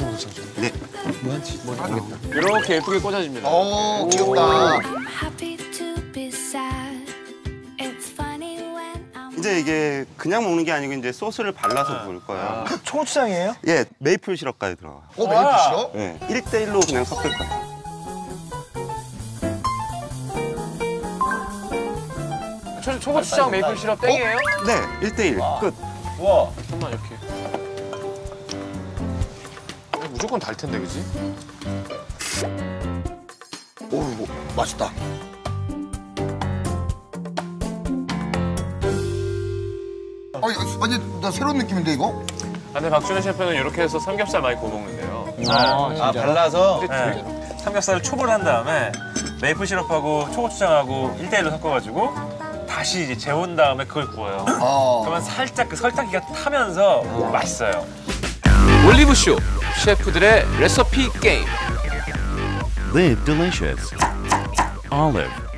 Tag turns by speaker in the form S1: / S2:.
S1: 정도 짜죠?
S2: 네.
S1: 뭐한지 모르겠다.
S3: 이렇게 예쁘게 꽂아집니다.
S2: 오, 귀엽다. 이제 이게 그냥 먹는 게 아니고 이제 소스를 발라서 먹을 거예요.
S1: 초고추장이에요?
S2: 예, 메이플 시럽까지 들어가요.
S4: 메이플 시럽?
S2: 예, 1대1로 그냥 섞을 거예요.
S3: 초고추장 메이플 시럽 땡이에요?
S2: 네, 1대1 끝.
S3: 우와. 잠깐만 이렇게. 무조건 달 텐데, 그지?
S4: 오, 맛있다. 이거 완전 나 새로운 느낌인데 이거?
S3: 근데 박준현 셰프는 이렇게 해서 삼겹살 많이 구워 먹는데요.
S5: 발라서
S3: 네.
S5: 삼겹살을 초벌 한 다음에 메이플 시럽하고 초고추장하고 1대1로 섞어가지고 다시 이제 재운 다음에 그걸 구워요. 그러면 살짝 그 설탕기가 타면서 맛있어요.
S3: 올리브쇼 셰프들의 레시피 게임.
S6: Live delicious. Olive.